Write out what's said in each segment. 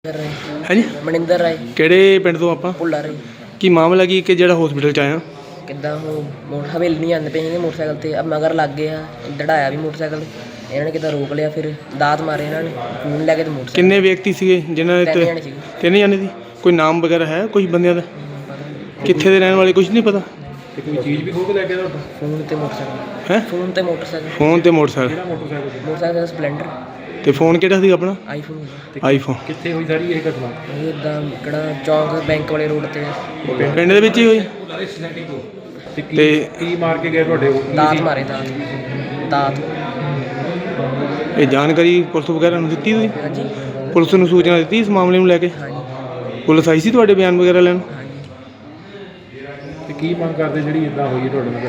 है जी ਮਨਿੰਦਰ ਰਾਏ ਕਿਹੜੇ ਪਿੰਡ ਤੋਂ ਆਪਾਂ ਭੁੱਲਾ ਰਾਏ ਕੀ ਮਾਮਲਾ ਕੀ ਕਿ ਜਿਹੜਾ ਹਸਪੀਟਲ ਚ ਆਇਆ ਕਿੱਦਾਂ ਉਹ ਹਵੇਲੀ ਨਹੀਂ ਆਉਂਦੇ ਪਏ ਸੀਗੇ ਮੋਟਰਸਾਈਕਲ ਤੇ ਅਬ ਮਗਰ ਲੱਗ ਗਏ ਆ ਦੜਾਇਆ ਵੀ ਮੋਟਰਸਾਈਕਲ ਇਹਨਾਂ ਨੇ ਕਿੱਦਾਂ ਰੋਕ ਲਿਆ ਫਿਰ ਦਾਤ ਮਾਰੇ ਇਹਨਾਂ ਨੇ ਫੋਨ ਲੈ ਕੇ ਤੇ ਮੋਟਰਸਾਈਕਲ ਕਿੰਨੇ ਵਿਅਕਤੀ ਸੀਗੇ ਜਿਨ੍ਹਾਂ ਨੇ ਤਿੰਨ ਜਾਣੇ ਸੀਗੇ ਤਿੰਨ ਜਾਣੇ ਸੀ ਕੋਈ ਨਾਮ ਵਗੈਰਾ ਹੈ ਕੁਝ ਬੰਦਿਆਂ ਦਾ ਕਿੱਥੇ ਦੇ ਰਹਿਣ ਵਾਲੇ ਕੁਝ ਨਹੀਂ ਪਤਾ ਤੇ ਕੋਈ ਚੀਜ਼ ਵੀ ਖੋਹ ਕੇ ਲੈ ਗਿਆ ਤੁਹਾਡਾ ਫੋਨ ਤੇ ਮੋਟਰਸਾਈਕਲ ਹੈ ਫੋਨ ਤੇ ਮੋਟਰਸਾਈਕਲ ਫੋਨ ਤੇ ਮੋਟਰਸਾਈਕਲ ਕਿਹੜਾ ਮੋਟਰਸਾਈਕਲ ਮੋਟਰਸਾਈਕਲ ਸਪਲੈਂਡਰ ਤੇ ਫੋਨ ਕਿਹੜਾ ਸੀ ਆਪਣਾ ਆਈਫੋਨ ਆਈਫੋਨ ਕਿੱਥੇ ਹੋਈ ਸਾਰੀ ਇਹ ਘਟਨਾ ਇਹ ਇੱਦਾਂ ਕਿਹੜਾ ਚੌਂਕ ਬੈਂਕ ਵਾਲੇ ਰੋਡ ਤੇ ਪਿੰਡ ਦੇ ਵਿੱਚ ਹੀ ਹੋਈ ਤੇ ਤੇ ਕੀ ਮਾਰ ਕੇ ਗਏ ਤੁਹਾਡੇ ਉਹ? ਦਾਤ ਮਾਰੇ ਦਾਤ ਇਹ ਜਾਣਕਾਰੀ ਪੁਲਿਸ ਵਗੈਰਾ ਨੂੰ ਦਿੱਤੀ ਤੁਸੀਂ ਹਾਂਜੀ ਪੁਲਿਸ ਨੂੰ ਸੂਚਨਾ ਦਿੱਤੀ ਇਸ ਮਾਮਲੇ ਨੂੰ ਲੈ ਕੇ ਹਾਂਜੀ ਪੁਲਿਸ ਆਈ ਸੀ ਤੁਹਾਡੇ ਬਿਆਨ ਵਗੈਰਾ ਲੈਣ ਹਾਂਜੀ ਤੇ ਕੀ ਮੰਗ ਕਰਦੇ ਜਿਹੜੀ ਇਦਾਂ ਹੋਈ ਤੁਹਾਡੇ ਨਾਲ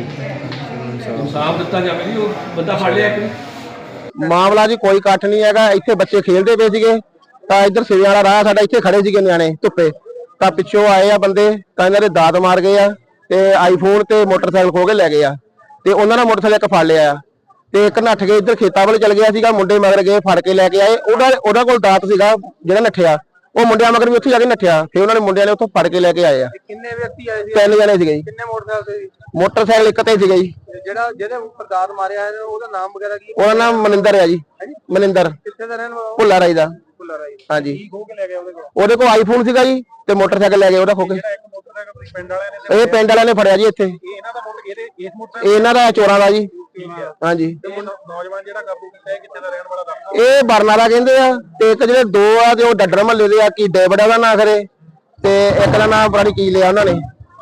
ਘਟਨਾ ਇਨਸਾਫ ਦਿੱਤਾ ਜਾਵੇ ਜੀ ਉਹ ਬੰਦਾ ਫੜ ਲਿਆ ਕਿ ਮਾਮਲਾ ਜੀ ਕੋਈ ਇਕੱਠ ਨਹੀਂ ਹੈਗਾ। ਇੱਥੇ ਬੱਚੇ ਖੇਡਦੇ ਪਏ ਸੀਗੇ ਤਾਂ ਇੱਧਰ ਸਿਰੇ ਵਾਲਾ ਰਾਹ ਸਾਡਾ ਇੱਥੇ ਖੜੇ ਸੀਗੇ ਨਿਆਣੇ ਧੁੱਪੇ ਤਾਂ ਪਿੱਛੋਂ ਆਏ ਆ ਬੰਦੇ ਤਾਂ ਇਹਨਾਂ ਦੇ ਦਾਤ ਮਾਰ ਗਏ ਆ ਤੇ ਆਈਫੋਨ ਤੇ ਮੋਟਰਸਾਈਕਲ ਖੋਹ ਕੇ ਲੈ ਗਏ ਆ ਤੇ ਉਹਨਾਂ ਦਾ ਮੋਟਰਸਾਈਕਲ ਇੱਕ ਫੜ ਲਿਆ ਆ ਤੇ ਇੱਕ ਨੱਠ ਕੇ ਇੱਧਰ ਖੇਤਾਂ ਵੱਲ ਚਲ ਗਿਆ ਸੀਗਾ ਮੁੰਡੇ ਮਗਰ ਗਏ ਫੜ ਕੇ ਲੈ ਕੇ ਆਏ ਉਹਦਾ ਕੋਲ ਦਾਤ ਸੀਗਾ ਜਿਹੜਾ ਨੱਠਿਆ ਉਹ ਮੁੰਡਿਆਂ ਮਗਰ ਵੀ ਉੱਥੇ ਜਾ ਕੇ ਨੱਠਿਆ ਫਿਰ ਉਹਨਾਂ ਨੇ ਮੁੰਡਿਆਂ ਨੇ ਉੱਥੋਂ ਫੜ ਕੇ ਲੈ ਕੇ ਆਏ ਆ। ਕਿੰਨੇ ਵਿਅਕਤੀ ਆਏ ਸੀ? ਤਿੰਨ ਜਣੇ ਸੀਗੇ ਜੀ। ਕਿੰਨੇ ਮੋਟਰਸਾਈਕਲ ਸੀ? ਮੋਟਰਸਾਈਕਲ ਇੱਕ ਤੇ ਸੀਗਾ ਜੀ। ਜਿਹੜਾ ਜਿਹਦੇ ਉੱਪਰ ਦਾਤ ਮਾਰਿਆ ਹੈ ਉਹਦਾ ਨਾਮ ਵਗੈਰਾ ਕੀ ਉਹਦਾ ਨਾਮ ਮਨਿੰਦਰ ਆ ਜੀ। ਮਨਿੰਦਰ ਕਿੱਥੇ ਦਾ ਰਹਿਣ ਵਾਲਾ? ਭੁੱਲਾ ਰਾਈ ਦਾ। ਭੁੱਲਾ ਰਾਈ। ਹਾਂਜੀ ਕੀ ਖੋ ਕੇ ਲੈ ਗਿਆ ਉਹਦੇ ਕੋਲ? ਉਹਦੇ ਕੋਲ ਆਈਫੋਨ ਸੀਗਾ ਜੀ ਤੇ ਮੋਟਰਸਾਈਕਲ ਲੈ ਗਏ ਉਹਦਾ ਖੋ ਕੇ। ਜਿਹੜਾ ਇੱਕ ਮੋਟਰਸਾਈਕਲ ਤੁਸੀਂ ਪਿੰਡ ਵਾਲਿਆਂ ਨੇ ਇਹ ਪਿੰਡ ਵਾਲਿਆਂ ਨੇ ਫੜਿਆ ਜੀ ਇੱਥੇ। ਇਹ ਇਹਨਾਂ ਦਾ ਇਸ ਮੋਟਰਸਾਈਕਲ ਇਹਨਾਂ ਦਾ ਚੋਰਾਂ ਦਾ ਜੀ। ਹਾਂਜੀ ਤੇ ਨੌਜਵਾਨ ਜਿਹੜਾ ਕਾਬੂ ਕੀਤਾ ਹੈ ਕਿੱਥੇ ਦਾ ਰਹਿਣ ਵਾਲਾ ਦੱਸੋ? ਇਹ ਬਰਨਾਲਾ ਕਹਿੰਦੇ ਆ ਤੇ ਇੱਕ ਜਿਹੜੇ ਦੋ ਆ ਤੇ ਉਹ ਡੱਡਰ ਮਹੱਲੇ ਦੇ ਆ ਕੀ ਡੇਵਿਡ ਦਾ ਨਾਂ ਖਰੇ ਤੇ ਇੱਕ ਦਾ ਨਾਂ ਪਤਾ ਨੀ ਕੀ ਲਿਆ ਉਹਨਾਂ ਨੇ।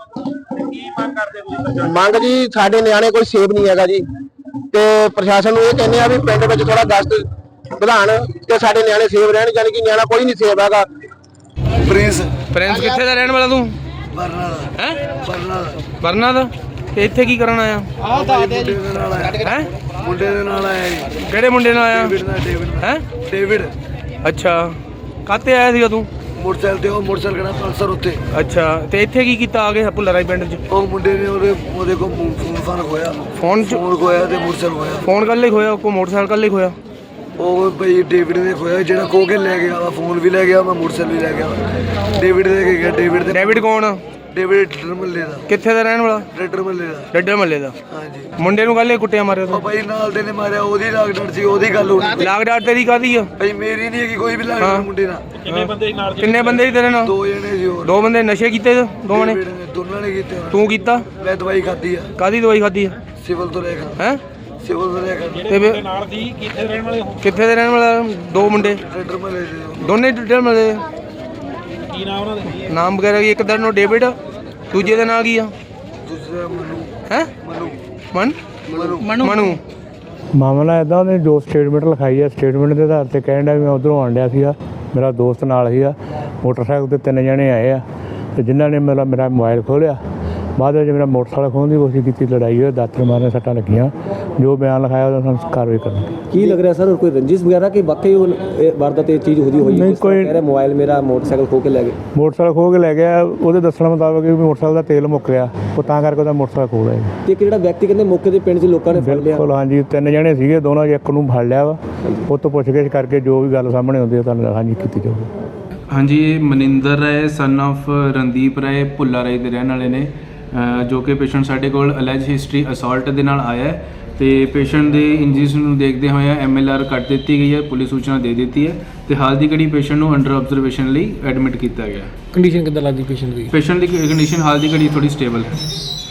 ਕੀ ਮੰਗ ਕਰਦੇ ਤੁਸੀਂ? ਮੰਗ ਜੀ ਸਾਡੇ ਨਿਆਣੇ ਕੋਈ ਸੇਫ ਨਹੀਂ ਹੈਗਾ ਜੀ ਤੇ ਪ੍ਰਸ਼ਾਸਨ ਨੂੰ ਇਹ ਕਹਿੰਦੇ ਆ ਵੀ ਪਿੰਡ ਵਿੱਚ ਥੋੜਾ ਗਸ਼ਤ ਵਧਾਣ ਤੇ ਸਾਡੇ ਨਿਆਣੇ ਸੇਫ ਰਹਿਣ ਯਾਨੀ ਕਿ ਨਿਆਣਾ ਕੋਈ ਨਹੀਂ ਸੇਫ ਹੈਗਾ। ਪ੍ਰਿੰਸ ਕਿੱਥੇ ਦਾ ਰਹਿਣ ਵਾਲਾ ਤੂੰ ਬਰਨਾਲਾ ਹੈ ਬਰਨਾ ਦਾ ਤੇ ਇੱਥੇ ਕੀ ਕਰਨ ਆਇਆ ਆਹ ਦੱਸਦੇ ਜੀ ਹੈ ਮੁੰਡੇ ਦੇ ਨਾਲ ਆਇਆ ਜੀ। ਕਿਹੜੇ ਮੁੰਡੇ ਨਾਲ ਆਇਆ ਹੈ ਡੇਵਿਡ ਅੱਛਾ ਕਾਹਤੇ ਆਇਆ ਸੀਗਾ ਤੂੰ ਮੋਟਰਸਾਈਕਲ ਤੇ ਉਹ ਮੋਟਰਸਾਈਕਲ ਕਿਹੜਾ ਪਲਸਰ ਉੱਤੇ ਅੱਛਾ ਤੇ ਇੱਥੇ ਕੀ ਕੀਤਾ ਆ ਕੇ ਭੁੱਲਾ ਰਾਈ ਪਿੰਡ 'ਚ ਉਹ ਮੁੰਡੇ ਨੇ ਉਹਦੇ ਕੋਲ ਫੋਨ ਖੋਇਆ ਫੋਨ ਖੋਇਆ ਤੇ ਮੋਟਰਸਾਈਕਲ ਖੋਇਆ। ਫੋਨ ਕੱਲ ਹੀ ਖੋਇਆ ਕੋ ਮੋਟਰਸਾਈਕਲ ਕੱਲ ਹੀ ਖੋਇਆ ਉਹ ਬਈ ਡੇਵਿਡ ਨੇ ਖੋਇਆ ਜਿਹੜਾ ਖੋ ਕੇ ਲੈ ਗਿਆ ਵਾ ਫੋਨ ਵੀ ਲੈ ਗਿਆ ਵਾ ਮੋਟਰਸਾਈਕਲ ਵੀ ਲੈ ਗਿਆ ਵਾ। ਡੇਵਿਡ ਦੇ ਕੇ ਗਿਆ ਡੇਵਿਡ ਕੌਣ ਡੇਵਿਡ ਡੱਡਰ ਮੱਲੇ ਦਾ। ਕਿੱਥੇ ਦਾ ਰਹਿਣ ਵਾਲਾ ਡੱਡਰ ਮੱਲੇ ਦਾ। ਡੱਡਰ ਮੱਲੇ ਦਾ ਹਾਂਜੀ ਮੁੰਡੇ ਨੂੰ ਕੱਲ ਹੀ ਕੁੱਟਿਆ ਮਾਰਿਆ ਉਹ ਤੂੰ ਬਾਈ ਨਾਲ ਦੇ ਨੇ ਮਾਰਿਆ ਉਹਦੀ ਲਾਗਡਰ ਸੀ ਉਹਦੀ ਗੱਲ ਹੋਣੀ। ਲਾਗਡਾਟ ਤੇਰੀ ਕਾਹਦੀ ਆ ਬਈ ਮੇਰੀ ਨਹੀਂ ਹੈਗੀ ਕੋਈ ਵੀ ਲਾਗਡਰ ਮੁੰਡੇ ਨਾਲ। ਕਿੰਨੇ ਬੰਦੇ ਸੀ ਤੇਰੇ ਨਾਲ ਦੋ ਜਣੇ ਸੀ ਹੋਰ। ਦੋ ਬੰਦੇ ਨਸ਼ੇ ਕੀਤੇ ਦੋਵਾਂ ਨੇ ਡੇਵਿਡ ਨੇ ਦੋਨਾਂ ਨੇ ਕੀਤੇ ਹੋਣੇ। ਤੂੰ ਕੀਤਾ ਮੈਂ ਦਵਾਈ ਖਾਧੀ ਆ ਕਾਹਦੀ ਦਵਾਈ ਖਾਧੀ ਆ ਸਿਵਲ ਤੋਂ ਲੈ ਕੇ ਹੈ ਸਿਵਲ ਤੋਂ ਲੈ ਕੇ ਤੇ ਫਿਰ ਨਾਲ ਦੀ ਕਿੱਥੇ ਰਹਿਣ ਵਾਲੇ ਹੋ? ਕਿੱਥੇ ਦੇ ਰਹਿਣ ਵਾਲਾ ਦੋ ਮੁੰਡੇ ਡੱਡਰ ਮੱਲੇ ਦੇ ਦੋਨੇ ਡੱਡਰ ਮੱਲੇ ਦੇ। ਕੀ ਨਾਮ ਉਹਨਾਂ ਦੇ? ਨਾਮ ਵਗੈਰਾ ਕੀ ਇੱਕ ਦਾ ਨਾਂ ਡੇਵਿਡ ਦੂਜੇ ਦਾ ਨਾਂ ਕੀ ਆ ਦੂਸਰਾ ਮਨੂ ਹੈ ਮਨੂ ਮਾਮਲਾ ਇੱਦਾਂ ਉਹਨੇ ਜੋ ਸਟੇਟਮੈਂਟ ਲਿਖਾਈ ਹੈ ਸਟੇਟਮੈਂਟ ਦੇ ਆਧਾਰ ਤੇ ਕਹਿਣ ਡਿਆ ਵੀ ਮੈਂ ਉੱਧਰੋਂ ਆਉਣ ਡਿਆ ਸੀਗਾ ਮੇਰਾ ਦੋਸਤ ਨਾਲ ਸੀਗਾ ਮੋਟਰਸਾਈਕਲ 'ਤੇ ਤਿੰਨ ਜਣੇ ਆਏ ਆ ਤੇ ਜਿਨ੍ਹਾਂ ਨੇ ਮੇਰਾ ਮੋਬਾਈਲ ਖੋਲ੍ਹਿਆ ਬਾਅਦ ਵਿੱਚ ਮੇਰਾ ਮੋਟਰਸਾਈਕਲ ਖੋਹਣ ਦੀ ਕੋਸ਼ਿਸ਼ ਕੀਤੀ ਲੜਾਈ ਹੋਈ ਦਾਤਰ ਮਾਰਨ ਸੱਟਾਂ ਲੱਗੀਆਂ ਜੋ ਬਿਆਨ ਲਿਖਾਇਆ ਉਹਦਾ ਸਾਨੂੰ ਕਾਰਵਾਈ ਕਰਨੀ। ਕੀ ਲੱਗ ਰਿਹਾ ਸਰ ਕੋਈ ਰੰਜਿਸ਼ ਵਗੈਰਾ ਕਿ ਵਾਕਈ ਉਹ ਵਾਰਦਾਤ ਇਹ ਚੀਜ਼ ਹੋਈ ਨਹੀਂ ਕੋਈ ਕਹਿ ਰਿਹਾ ਮੋਬਾਈਲ ਮੇਰਾ ਮੋਟਰਸਾਈਕਲ ਖੋ ਕੇ ਲੈ ਗਏ। ਮੋਟਰਸਾਈਕਲ ਖੋਹ ਕੇ ਲੈ ਗਿਆ ਉਹਦੇ ਦੱਸਣ ਮੁਤਾਬਕ ਵੀ ਮੋਟਰਸਾਈਕਲ ਦਾ ਤੇਲ ਮੁੱਕ ਗਿਆ ਉਹ ਤਾਂ ਕਰਕੇ ਉਹਦਾ ਮੋਟਰਸਾਈਕਲ ਖੋਹ ਲਿਆ। ਤੇ ਇੱਕ ਜਿਹੜਾ ਵਿਅਕਤੀ ਕਹਿੰਦੇ ਮੌਕੇ ਦੇ ਪਿੰਡ 'ਚ ਲੋਕਾਂ ਨੇ ਫੜ ਲਿਆ। ਬਿਲਕੁਲ ਹਾਂਜੀ ਤਿੰਨ ਜਣੇ ਸੀਗੇ ਦੋਨੋਂ ਇੱਕ ਨੂੰ ਫੜ ਲਿਆ ਵਾ ਉਹ ਤੋਂ ਪੁੱਛਗਿੱਛ ਕਰਕੇ ਜੋ ਵੀ ਗੱਲ ਸਾਹਮਣੇ ਆਉਂਦੀ ਹੈ ਤੁਹਾਨੂੰ ਹਾਂਜੀ ਕੀਤੀ ਜਾਊਗੀ। ਹਾਂਜੀ ਇਹ ਮਨਿੰਦਰ ਰਾਏ ਸਨ ਆਫ ਰਣਦੀਪ ਰਾਏ ਭੁੱਲਾ ਰਾਏ ਦੇ ਰਹਿਣ ਵਾਲੇ ਨੇ ਜੋ ਕਿ ਪੇਸ਼ੈਂਟ ਸਾਡੇ ਕੋਲ ਅਲੈਜ ਹਿਸਟਰੀ ਅਸੌਲਟ ਦੇ ਨਾਲ ਆਇਆ ਹੈ ਤੇ ਪੇਸ਼ੈਂਟ ਦੇ ਇੰਜਰੀਜ਼ ਨੂੰ ਦੇਖਦੇ ਹੋਏ MLR ਕੱਟ ਦਿੱਤੀ ਗਈ ਹੈ ਪੁਲਿਸ ਸੂਚਨਾ ਦੇ ਦਿੱਤੀ ਹੈ ਤੇ ਹਾਲ ਦੀ ਘੜੀ ਪੇਸ਼ੈਂਟ ਨੂੰ ਅੰਡਰ ਆਬਜ਼ਰਵੇਸ਼ਨ ਲਈ ਐਡਮਿਟ ਕੀਤਾ ਗਿਆ। ਕੰਡੀਸ਼ਨ ਕਿੱਦਾਂ ਲੱਗਦੀ ਪੇਸ਼ੈਂਟ ਦੀ? ਪੇਸ਼ੈਂਟ ਦੀ ਕੰਡੀਸ਼ਨ ਹਾਲ ਦੀ ਘੜੀ ਥੋੜੀ ਸਟੇਬਲ ਹੈ।